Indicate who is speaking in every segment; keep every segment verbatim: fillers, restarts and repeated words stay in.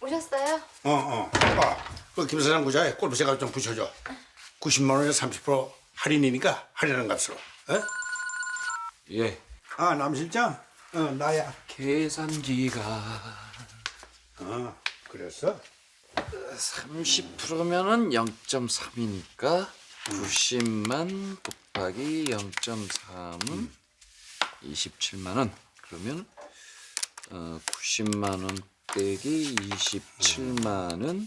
Speaker 1: 오셨어요?
Speaker 2: 어, 어. 아, 그 김사장 구자에 골프채 좀 붙여줘. 구십만 원에 삼십 퍼센트 할인이니까 할인하는 값으로. 어?
Speaker 3: 예.
Speaker 2: 아, 남 실장? 어, 나야.
Speaker 3: 계산기가
Speaker 2: 어, 그랬어?
Speaker 3: 삼십 퍼센트면은 영 점 삼이니까 구십만 곱하기 영 점 삼은 이십칠만 원. 그러면 어, 구십만 원 빼기 이십칠만 원.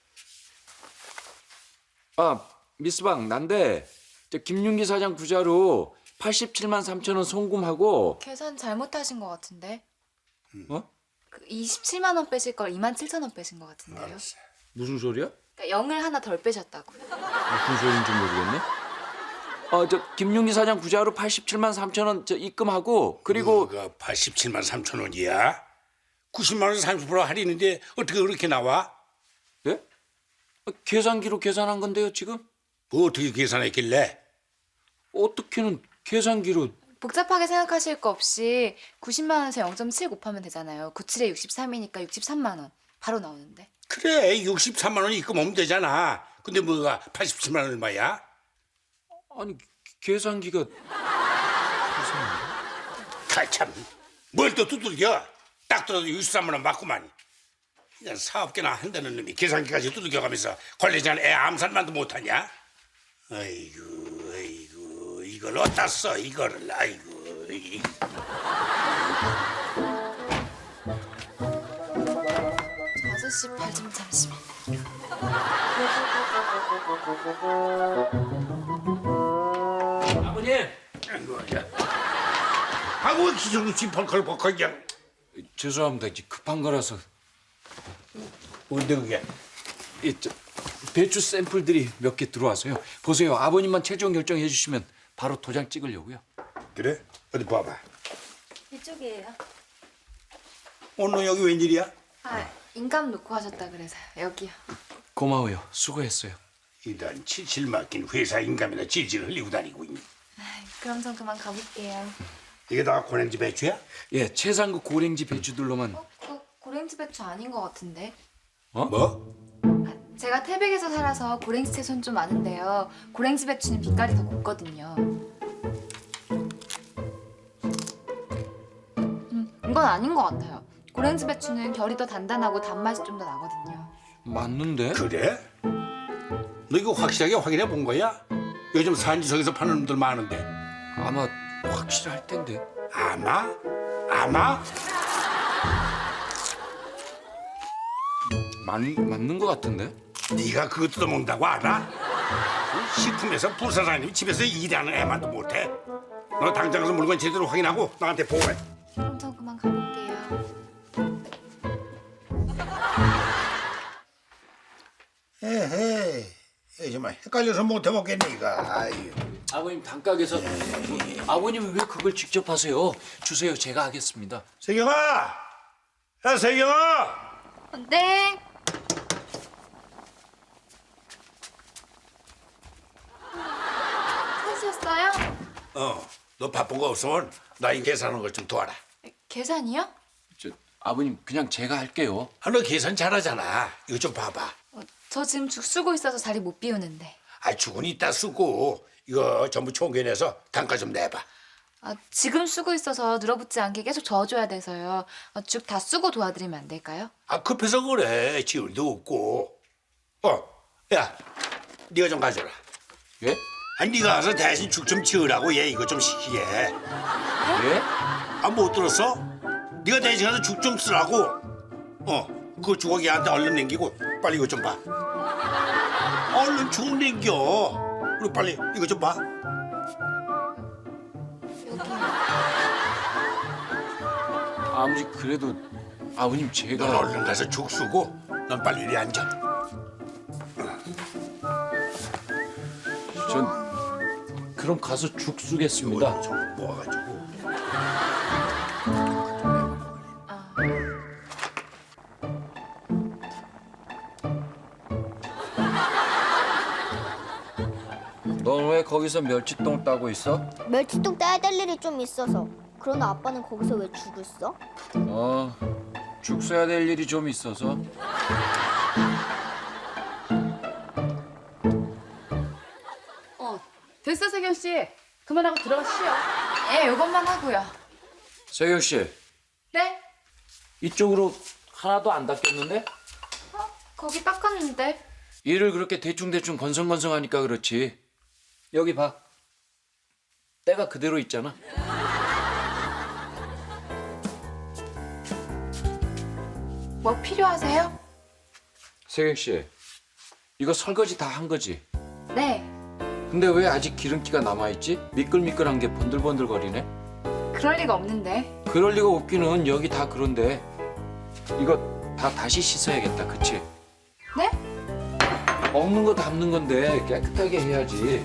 Speaker 3: 아, 미스방 난데 저 김윤기 사장 구자로 팔십칠만 삼천 원 송금하고
Speaker 1: 계산 잘못하신 것 같은데.
Speaker 3: 어?
Speaker 1: 그 이십칠만 원 빼실 걸 이만 칠천 원 빼신 것 같은데요.
Speaker 2: 알았어.
Speaker 3: 무슨 소리야?
Speaker 1: 그러니까 영을 하나 덜 빼셨다고요.
Speaker 3: 무슨 소리인지 모르겠네. 어, 저 김윤기 사장 구자로 팔십칠만 삼천 원 저 입금하고 그리고
Speaker 2: 그거 팔십칠만 삼천 원이야? 구십만 원에 삼십 퍼센트 할인인데 어떻게 그렇게 나와?
Speaker 3: 예? 어, 계산기로 계산한 건데요, 지금?
Speaker 2: 뭐 어떻게 계산했길래?
Speaker 3: 어떻게는 계산기로
Speaker 1: 복잡하게 생각하실 거 없이 구십만 원에서 영 점 칠 곱하면 되잖아요. 구십칠에 육십삼이니까 육십삼만 원. 바로 나오는데.
Speaker 2: 그래, 육십삼만 원 입금하면 되잖아. 근데 뭐가 팔십칠만 원 얼마야?
Speaker 3: 아니 계산기가
Speaker 2: 아, 참, 뭘 또 두들겨? 딱 들어도 육십삼만 원 맞구만. 그냥 사업계나 한다는 놈이 계산기까지 두들겨가면서 관리자는 애 암살만도 못하냐? 아이고, 아이고, 이걸 어디다 써, 이거를, 아이고. 이.
Speaker 1: 아저씨 팔 좀 잠시만.
Speaker 3: 아버님
Speaker 2: 아이고, 야. 아이고, 기존없이 벌컥벌컥 그냥.
Speaker 3: 죄송합니다. 이제 급한 거라서
Speaker 2: 뭔데 그게?
Speaker 3: 이, 저, 배추 샘플들이 몇 개 들어와서요. 보세요. 아버님만 최종 결정해 주시면 바로 도장 찍으려고요.
Speaker 2: 그래? 어디 봐봐.
Speaker 1: 이쪽이에요.
Speaker 2: 오늘 여기 웬일이야?
Speaker 1: 아, 인감 놓고 하셨다 그래서 여기요.
Speaker 3: 고마워요. 수고했어요.
Speaker 2: 이런 칠칠 맡긴 회사 인감이나 질질 흘리고 다니고 있니?
Speaker 1: 아, 그럼 전 그만 가볼게요.
Speaker 2: 이게 다 고랭지 배추야?
Speaker 3: 예, 최상급 고랭지 배추들로만.
Speaker 1: 어? 그 고랭지 배추 아닌 것 같은데.
Speaker 3: 어?
Speaker 2: 뭐?
Speaker 1: 아, 제가 태백에서 살아서 고랭지 채소는 좀 아는데요. 고랭지 배추는 빛깔이 더 곱거든요. 음, 이건 아닌 것 같아요. 고랭지 배추는 결이 더 단단하고 단맛이 좀 더 나거든요.
Speaker 3: 맞는데?
Speaker 2: 그래? 너 이거 확실하게 확인해 본 거야? 요즘 산지석에서 파는 놈들 많은데.
Speaker 3: 아마 확실할 텐데.
Speaker 2: 아마? 아마?
Speaker 3: 맞, 맞는 것 같은데?
Speaker 2: 네가 그거 뜯어먹는다고 알아? 그 식품에서 부사장님이 집에서 일하는 애만도 못해. 너 당장 가서 물건 제대로 확인하고 나한테 보고해.
Speaker 1: 그럼 전 그만 가볼게요.
Speaker 2: 에헤이, 이 정말 헷갈려서 못 해먹겠네 이거. 아유.
Speaker 3: 아버님 단가게서 아버님이 왜 그걸 직접 하세요? 주세요. 제가 하겠습니다.
Speaker 2: 세경아, 야 세경아.
Speaker 1: 네. 찾으셨어요?
Speaker 2: 어, 너 바쁜 거 없으면 나 이 계산하는 걸 좀 도와라.
Speaker 1: 계산이요?
Speaker 3: 저 아버님 그냥 제가 할게요.
Speaker 2: 아, 너 계산 잘하잖아. 이거 좀 봐봐.
Speaker 1: 어, 저 지금 죽 쓰고 있어서 자리 못 비우는데.
Speaker 2: 아, 죽은 이따 쓰고 이거 전부 총견해서 단가 좀 내봐.
Speaker 1: 아, 지금 쓰고 있어서 늘어붙지 않게 계속 저어줘야 돼서요. 어, 죽 다 쓰고 도와드리면 안 될까요?
Speaker 2: 아, 급해서 그래. 지울 도 없고. 어, 야, 네가 좀 가져라.
Speaker 3: 예?
Speaker 2: 아니, 네가 가서 대신 죽 좀 지으라고 얘 이거 좀 시키게.
Speaker 3: 예?
Speaker 2: 아, 못 들었어? 네가 대신 가서 죽 좀 쓰라고. 어, 그 주걱 얘한테 얼른 남기고 빨리 이거 좀 봐. 얼른 죽 남겨. 그리고 빨리 이거 좀 봐.
Speaker 3: 아무리 그래도 아버님
Speaker 2: 넌
Speaker 3: 제가
Speaker 2: 얼른 가서 죽 쓰고 넌 빨리 이리 앉아.
Speaker 3: 전 그럼 가서 죽 쓰겠습니다.
Speaker 2: 이거 좀 모아가지고.
Speaker 3: 넌 왜 거기서 멸치똥 따고 있어?
Speaker 4: 멸치똥 따야 될 일이 좀 있어서. 그런데 아빠는 거기서 왜 죽을 써?
Speaker 3: 어, 죽 써야 될 일이 좀 있어서.
Speaker 4: 어, 됐어 세경 씨. 그만하고 들어가 쉬어.
Speaker 1: 예, 요것만 하고요.
Speaker 3: 세경 씨,
Speaker 1: 네?
Speaker 3: 이쪽으로 하나도 안 닦였는데?
Speaker 1: 어, 거기 닦았는데.
Speaker 3: 일을 그렇게 대충대충 건성건성하니까 그렇지. 여기 봐. 때가 그대로 있잖아.
Speaker 1: 뭐 필요하세요?
Speaker 3: 세경 씨, 이거 설거지 다 한 거지?
Speaker 1: 네.
Speaker 3: 근데 왜 아직 기름기가 남아있지? 미끌미끌한 게 번들번들거리네?
Speaker 1: 그럴 리가 없는데.
Speaker 3: 그럴 리가 없기는. 여기 다 그런데. 이거 다 다시 씻어야겠다, 그치?
Speaker 1: 네?
Speaker 3: 먹는 거 담는 건데 깨끗하게 해야지.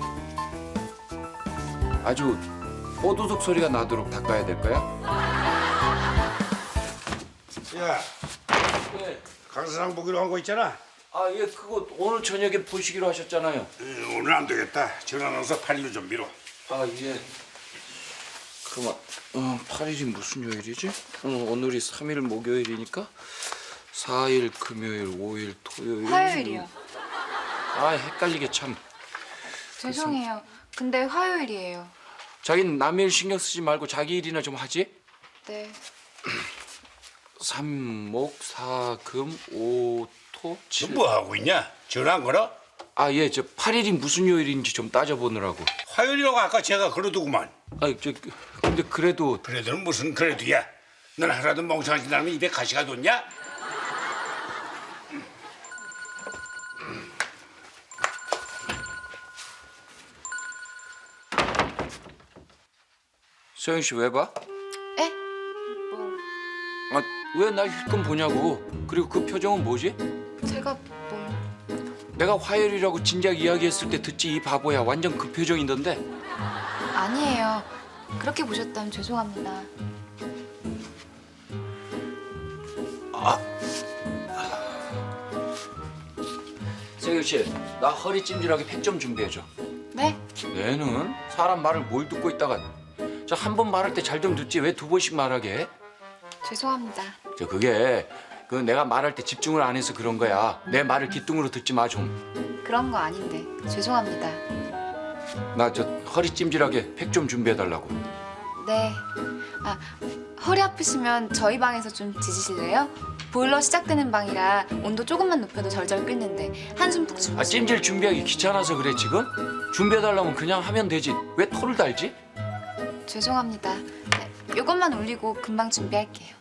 Speaker 3: 아주 뽀드득 소리가 나도록 닦아야 될 거야?
Speaker 2: 야,
Speaker 3: 네.
Speaker 2: 강사장 보기로 한 거 있잖아.
Speaker 3: 아, 예, 그거 오늘 저녁에 보시기로 하셨잖아요.
Speaker 2: 음, 오늘 안 되겠다. 전화 넣어서 팔 일로 좀 미뤄.
Speaker 3: 아, 예. 그만. 어, 팔 일이 무슨 요일이지? 어, 오늘이 삼 일 목요일이니까 사 일 금요일, 오 일 토요일.
Speaker 1: 화요일이요.
Speaker 3: 아, 헷갈리게 참.
Speaker 1: 죄송해요. 근데 화요일이에요.
Speaker 3: 자긴 남의 일 신경 쓰지 말고 자기 일이나 좀 하지.
Speaker 1: 네.
Speaker 3: 삼, 목, 사, 금, 오, 토, 칠.
Speaker 2: 너 뭐 하고 있냐? 전화 안 걸어?
Speaker 3: 아, 예, 저 팔 일이 무슨 요일인지 좀 따져보느라고.
Speaker 2: 화요일이라고 아까 제가 그러더구만.
Speaker 3: 아, 저 근데 그래도
Speaker 2: 그래도는 무슨 그래도야. 넌 하나도 멍청하지 않으면 입에 가시가 돋냐?
Speaker 3: 서영 씨 왜 봐?
Speaker 1: 에? 뭐
Speaker 3: 아, 왜 날 힐끔 보냐고. 그리고 그 표정은 뭐지?
Speaker 1: 제가 뭐
Speaker 3: 내가 화요일이라고 진작 이야기했을 때 듣지 이 바보야. 완전 그 표정이던데.
Speaker 1: 아니에요. 그렇게 보셨다면 죄송합니다.
Speaker 3: 서영 씨, 나 허리 찜질하게 팩 좀 준비해줘.
Speaker 1: 네?
Speaker 3: 얘는 사람 말을 뭘 듣고 있다가 저 한 번 말할 때 잘 좀 듣지 왜 두 번씩 말하게 해?
Speaker 1: 죄송합니다.
Speaker 3: 저 그게 그 내가 말할 때 집중을 안 해서 그런 거야. 내 말을 귓등으로 듣지 마 좀.
Speaker 1: 그런 거 아닌데. 죄송합니다.
Speaker 3: 나 저 허리 찜질하게 팩 좀 준비해 달라고.
Speaker 1: 네. 아, 허리 아프시면 저희 방에서 좀 지지실래요? 보일러 시작되는 방이라 온도 조금만 높여도 절절 끓는데 한숨 푹 주무세요.
Speaker 3: 아, 찜질 준비하기 귀찮아서 그래 지금? 준비해 달라면 그냥 하면 되지. 왜 토를 달지?
Speaker 1: 죄송합니다. 네, 이것만 올리고 금방 준비할게요.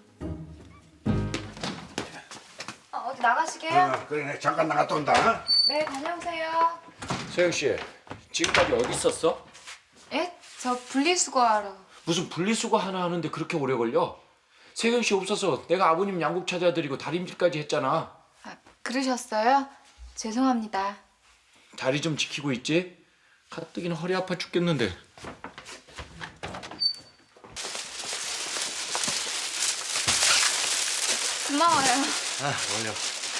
Speaker 1: 어, 어디 나가시게요?
Speaker 2: 어, 그래, 잠깐 나갔다 온다.
Speaker 1: 네, 다녀오세요.
Speaker 3: 서영 씨, 지금까지 어디 있었어?
Speaker 1: 예? 저 분리수거하러.
Speaker 3: 무슨 분리수거 하나 하는데 그렇게 오래 걸려? 세경 씨 없어서 내가 아버님 양국 찾아드리고 다림질까지 했잖아.
Speaker 1: 아, 그러셨어요? 죄송합니다.
Speaker 3: 다리 좀 지키고 있지? 가뜩이나 허리 아파 죽겠는데.
Speaker 1: 고마워요.
Speaker 2: 아, 올려.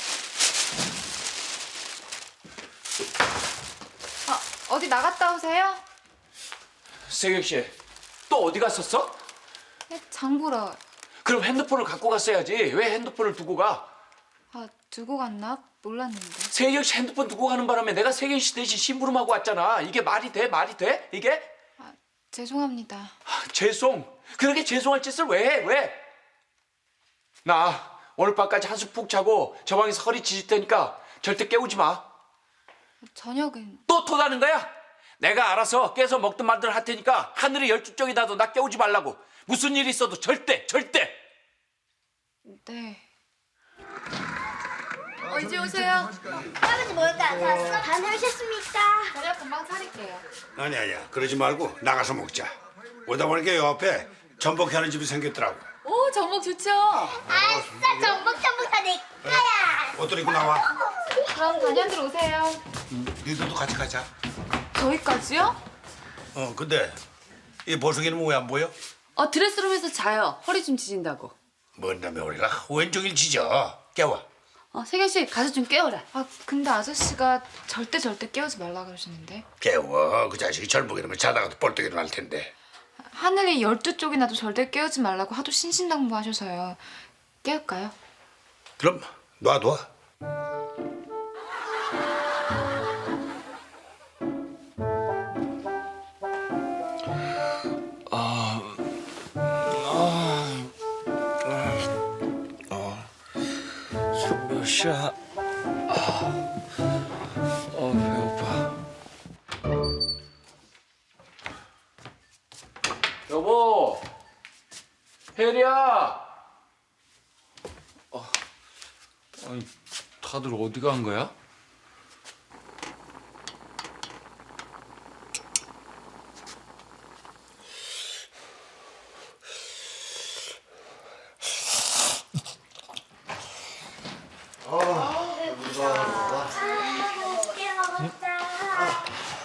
Speaker 1: 아, 어디 나갔다 오세요?
Speaker 3: 세경 씨, 또 어디 갔었어?
Speaker 1: 네, 장 보러.
Speaker 3: 그럼 핸드폰을 갖고 갔어야지. 왜 핸드폰을 두고 가?
Speaker 1: 아, 두고 갔나? 몰랐는데.
Speaker 3: 세경 씨 핸드폰 두고 가는 바람에 내가 세경 씨 대신 심부름하고 왔잖아. 이게 말이 돼? 말이 돼? 이게?
Speaker 1: 아, 죄송합니다.
Speaker 3: 아, 죄송. 그렇게 죄송할 짓을 왜 해? 왜? 나 오늘 밤까지 한숨 푹 자고 저 방에서 허리 지질 테니까 절대 깨우지 마.
Speaker 1: 저녁은.
Speaker 3: 또 토다는 거야? 내가 알아서 깨서 먹든 말든 할 테니까 하늘이 열두 쪽이 나도 나 깨우지 말라고. 무슨 일이 있어도 절대 절대.
Speaker 1: 네. 어, 이제 오세요.
Speaker 5: 할아버지 뭘까? 다 다녀오셨습니까?
Speaker 1: 저녁 금방 차릴게요.
Speaker 2: 아니 아니야. 그러지 말고 나가서 먹자. 오다 보니까 요 앞에 전복해 하는 집이 생겼더라고.
Speaker 1: 오, 전복 좋죠?
Speaker 5: 아싸 전복전복 다 내 거야.
Speaker 2: 옷들 입고 나와.
Speaker 1: 그럼 다녀들 오세요.
Speaker 2: 니들도 같이 가자.
Speaker 1: 저희까지요?
Speaker 2: 어, 근데 이 보석이는 왜 안 보여?
Speaker 4: 어, 드레스룸에서 자요. 허리 좀 지진다고.
Speaker 2: 뭔 다음에 우리가 왼쪽일 지져. 깨워.
Speaker 4: 어, 세경 씨 가서 좀 깨워라.
Speaker 1: 아, 근데 아저씨가 절대 절대 깨우지 말라 그러시는데.
Speaker 2: 깨워. 그 자식이 젊고 이러면 자다가도 뻘떡 일어날 텐데.
Speaker 1: 하늘이 열두 쪽이 나도 절대 깨우지 말라고 하도 신신당부하셔서요. 깨울까요?
Speaker 2: 그럼 놔둬.
Speaker 3: 지금 몇 시야? 아, 어 배고파. 여보, 혜리야. 어, 아니 다들 어디 간 거야?
Speaker 5: 맛있게 먹자.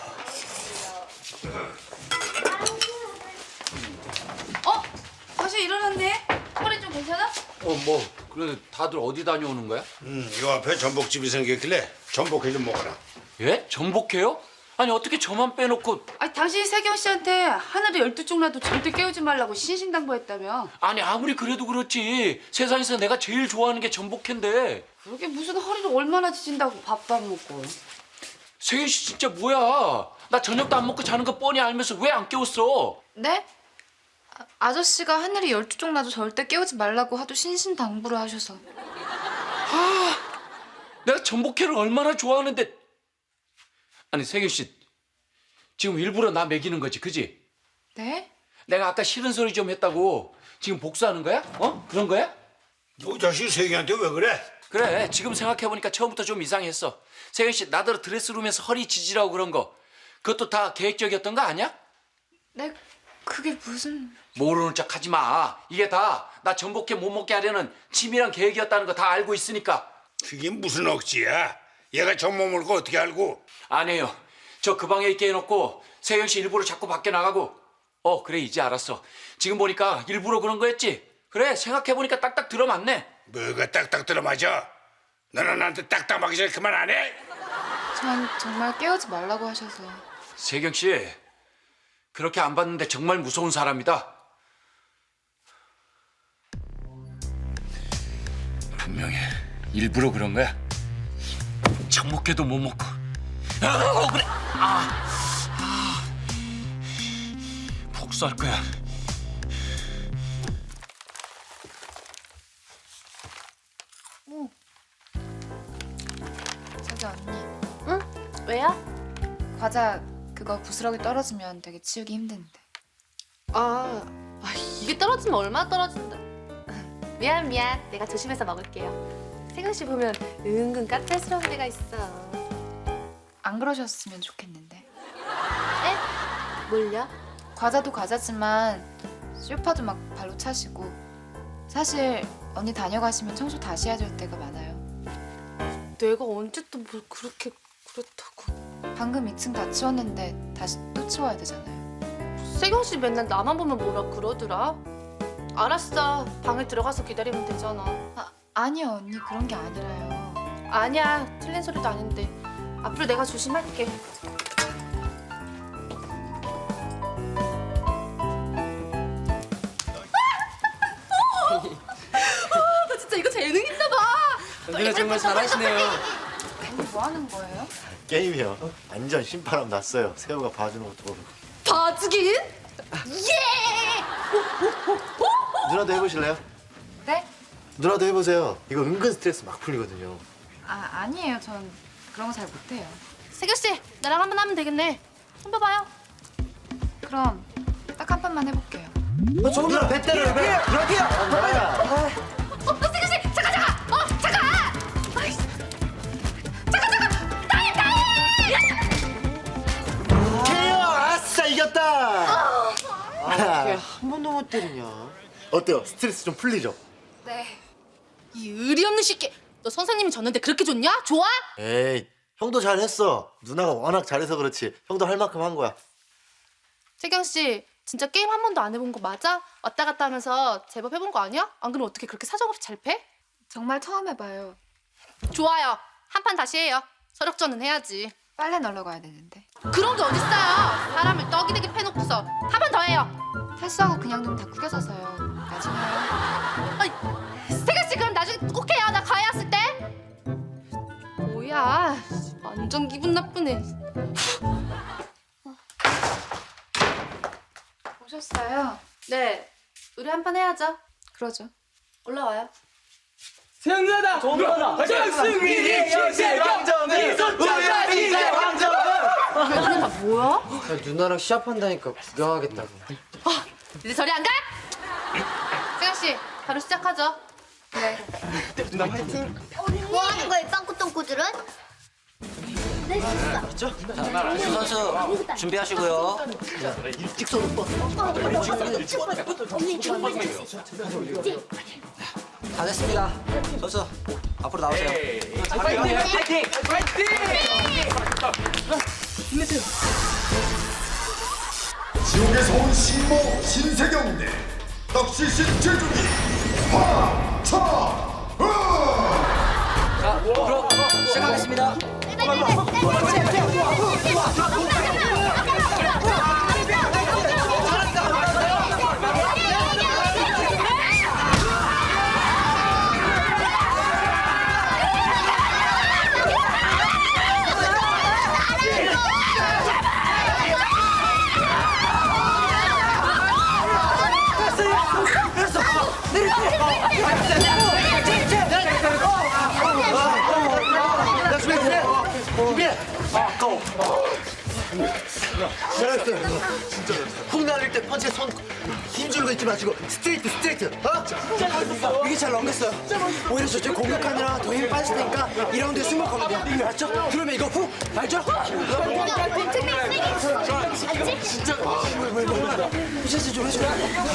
Speaker 1: 어? 다시 일어났네? 허리 좀 괜찮아?
Speaker 3: 어 뭐 그런데 다들 어디 다녀오는 거야?
Speaker 2: 음, 요 앞에 전복집이 생겼길래 전복회 좀 먹어라.
Speaker 3: 예? 전복해요? 아니 어떻게 저만 빼놓고?
Speaker 4: 아니 당신이 세경 씨한테 하늘이 열두 쪽 나도 절대 깨우지 말라고 신신당부했다며.
Speaker 3: 아니 아무리 그래도 그렇지 세상에서 내가 제일 좋아하는 게 전복회인데.
Speaker 4: 그러게 무슨 허리를 얼마나 지진다고 밥도 안 먹고.
Speaker 3: 세경 씨 진짜 뭐야? 나 저녁도 안 먹고 자는 거 뻔히 알면서 왜 안 깨웠어?
Speaker 1: 네? 아, 아저씨가 하늘이 열두 쪽 나도 절대 깨우지 말라고 하도 신신당부를 하셔서.
Speaker 3: 내가 전복회를 얼마나 좋아하는데. 아니 세경 씨 지금 일부러 나 매기는 거지, 그지?
Speaker 1: 네?
Speaker 3: 내가 아까 싫은 소리 좀 했다고 지금 복수하는 거야? 어? 그런 거야?
Speaker 2: 요 자식 세기한테 왜 그래?
Speaker 3: 그래 지금 생각해보니까 처음부터 좀 이상했어. 세경 씨 나더러 드레스룸에서 허리 지지라고 그런 거 그것도 다 계획적이었던 거 아니야?
Speaker 1: 네? 그게 무슨...
Speaker 3: 모르는 척 하지 마. 이게 다 나 전복회 못 먹게 하려는 치밀한 계획이었다는 거 다 알고 있으니까.
Speaker 2: 그게 무슨 억지야? 얘가 정몸을 거 어떻게 알고?
Speaker 3: 안 해요. 저 그 방에 있게 해놓고 세경 씨 일부러 자꾸 밖에 나가고. 어 그래 이제 알았어. 지금 보니까 일부러 그런 거였지? 그래 생각해보니까 딱딱 들어맞네.
Speaker 2: 뭐가 딱딱 들어맞아? 너는 나한테 딱딱하기 전에 그만 안 해?
Speaker 1: 전 정말 깨우지 말라고 하셔서.
Speaker 3: 세경 씨 그렇게 안 봤는데 정말 무서운 사람이다. 분명히 일부러 그런 거야. 전복회도 못 먹고. 아, 그래. 아, 아. 복수할 거야.
Speaker 1: 저기 언니,
Speaker 4: 응? 왜야?
Speaker 1: 과자 그거 부스러기 떨어지면 되게 치우기 힘든데.
Speaker 6: 아, 아, 이게 떨어지면 얼마나 떨어진다. 미안 미안, 내가 조심해서 먹을게요. 세경 씨 보면 은근 까탈스러운 데가 있어.
Speaker 1: 안 그러셨으면 좋겠는데.
Speaker 6: 에? 뭘요?
Speaker 1: 과자도 과자지만 쇼파도 막 발로 차시고. 사실 언니 다녀가시면 청소 다시 해야 될 때가 많아요.
Speaker 6: 내가 언제 또 뭘 그렇게 그렇다고.
Speaker 1: 방금 이 층 다 치웠는데 다시 또 치워야 되잖아요.
Speaker 6: 세경 씨 맨날 나만 보면 뭐라 그러더라. 알았어, 방에 들어가서 기다리면 되잖아.
Speaker 1: 아, 아니요 언니 그런 게 아니라요.
Speaker 6: 아니야, 틀린 소리도 아닌데. 앞으로 내가 조심할게. 나 진짜 이거 재능 있나 봐.
Speaker 7: 누나 정말 잘하시네요.
Speaker 1: 언니 뭐 하는 거예요?
Speaker 7: 게임이요. 완전 신바람 났어요. 새우가 봐주는 것도 모르고.
Speaker 6: 봐주긴?
Speaker 7: 누나도 해보실래요?
Speaker 1: 네?
Speaker 7: 누나도 해보세요. 이거 은근 스트레스 막 풀리거든요.
Speaker 1: 아 아니에요. 전 그런 거 잘 못해요.
Speaker 6: 세경 씨, 나랑 한 번 하면 되겠네. 한번 봐요.
Speaker 1: 그럼 딱 한 판만 해볼게요.
Speaker 7: 누나 배 때려요. 배. 누나야.
Speaker 6: 어, 세경 씨, 잠깐 잠깐. 어, 잠깐. 아이씨. 잠깐 잠깐. 타임 타임.
Speaker 7: 케어. 아싸 이겼다. 아, 한 번도 못 때리냐. 어때요? 스트레스 좀 풀리죠?
Speaker 1: 네.
Speaker 6: 이 의리 없는 새끼. 너 선생님이 졌는데 그렇게 좋냐? 좋아?
Speaker 7: 에이, 형도 잘했어. 누나가 워낙 잘해서 그렇지. 형도 할 만큼 한 거야.
Speaker 6: 세경 씨, 진짜 게임 한 번도 안 해본 거 맞아? 왔다 갔다 하면서 제법 해본 거 아니야? 안 그러면 어떻게 그렇게 사정없이 잘 패?
Speaker 1: 정말 처음 해봐요.
Speaker 6: 좋아요. 한 판 다시 해요. 서력전은 해야지.
Speaker 1: 빨래 널러 가야 되는데.
Speaker 6: 그런 게 어딨어요. 사람을 떡이 되게 패놓고서 한 번 더 해요.
Speaker 1: 탈수하고 그냥 좀 다 구겨져서요. 나중에 해요.
Speaker 6: 아이, 세경 씨 그럼 나중에 꼭 해요. 나 가야 완전 기분 나쁘네.
Speaker 1: 오셨어요?
Speaker 6: 네, 우리 한 판 해야죠.
Speaker 1: 그러죠.
Speaker 6: 올라와요.
Speaker 8: 승리하다! 승리하다! 승리! 역시 왕정은! 우리가 이제 왕정은!
Speaker 6: 뭐야?
Speaker 7: 누나랑 시합한다니까 구경하겠다고.
Speaker 6: 이제 저리 안 가? 세경 씨, 바로 시작하죠.
Speaker 1: 네.
Speaker 5: 뭐 하는 거야, 빵꾸똥꾸들은? 네, 진짜.
Speaker 9: 선수 준비하시고요.
Speaker 7: 일찍 서오빠
Speaker 9: 다 됐습니다. 선수 앞으로 나오세요.
Speaker 10: 지옥에서 온 신모 신세경 대 떡시신 제주기 화차
Speaker 9: 자, 그럼 시작하겠습니다.
Speaker 7: 잘했어요. 진짜. 훅 날릴 때 펀치에 손 힘주는 거 잊지 마시고 스트레이트 스트레이트. 어? 이게 잘 넘겼어요. 오히려 저쪽 공격하느라 더 힘이 빠질 테니까 이 라운드에 승복하면 돼요. 알죠? 그러면 이거 훅 알죠? 진짜. 부채질 좀 해줘.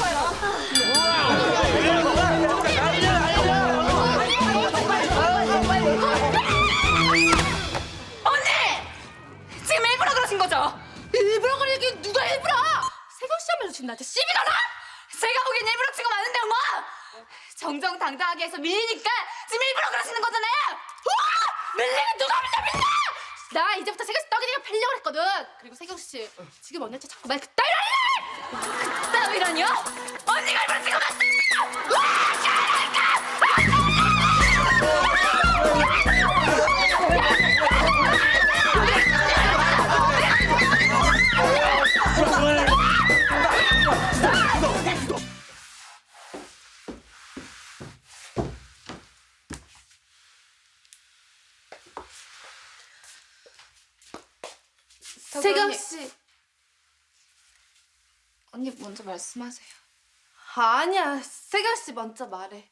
Speaker 6: 지금 일부러 그러신 거죠? 일부러 그러긴 누가 일부러? 세경 씨 하면서 지금 나한테 시비 거나? 제가 보기엔 일부러 치고 마는데 엄마! 정정당당하게 해서 밀리니까 지금 일부러 그러시는 거잖아요! 우와! 밀리면 누가 밀려 밀려! 나 이제부터 세경 씨 떡이니까 펴려고 했거든! 그리고 세경 씨 지금 언니한테 자꾸 말 그따위로 할래! 그따위라뇨? 언니가 일부러 치고 맞잖아요! 우와! 세경 씨.
Speaker 1: 언니 먼저 말씀하세요.
Speaker 6: 아니야. 세경 씨 먼저 말해.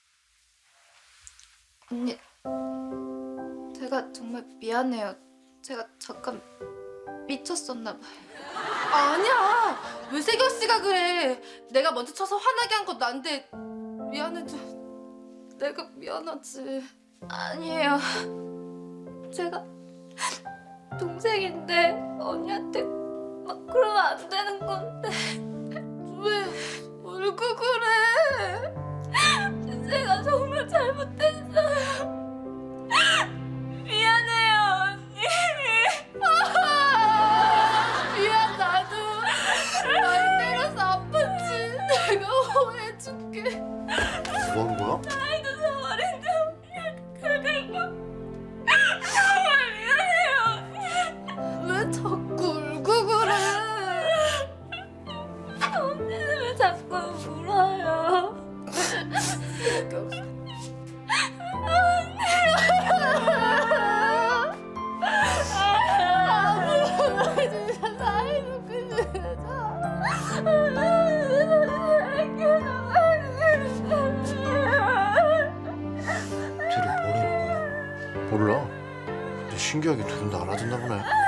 Speaker 1: 언니, 제가 정말 미안해요. 제가 잠깐 미쳤었나 봐요.
Speaker 6: 아니야. 왜 세경 씨가 그래? 내가 먼저 쳐서 화나게 한 건 난데 미안해도 내가 미안하지.
Speaker 1: 아니에요. 제가 동생인데 언니한테 막 그러면 안 되는 건데.
Speaker 6: 왜 울고 그래?
Speaker 1: 제가 정말 잘못했어요. 미안해요, 언니.
Speaker 6: 미안 나도 날 때려서 아팠지. 내가 오해해줄게.
Speaker 7: 뭐 하는 거야?
Speaker 1: 나이도 서른인데 그리고 정말 미안해요, 언니.
Speaker 6: 왜 자꾸 울고 그래?
Speaker 1: 언니는 왜 자꾸 울어요?
Speaker 7: 둘이 뭐라는 거야? 몰라. 근데 신기하게 둘은 다 알아듣나 보네.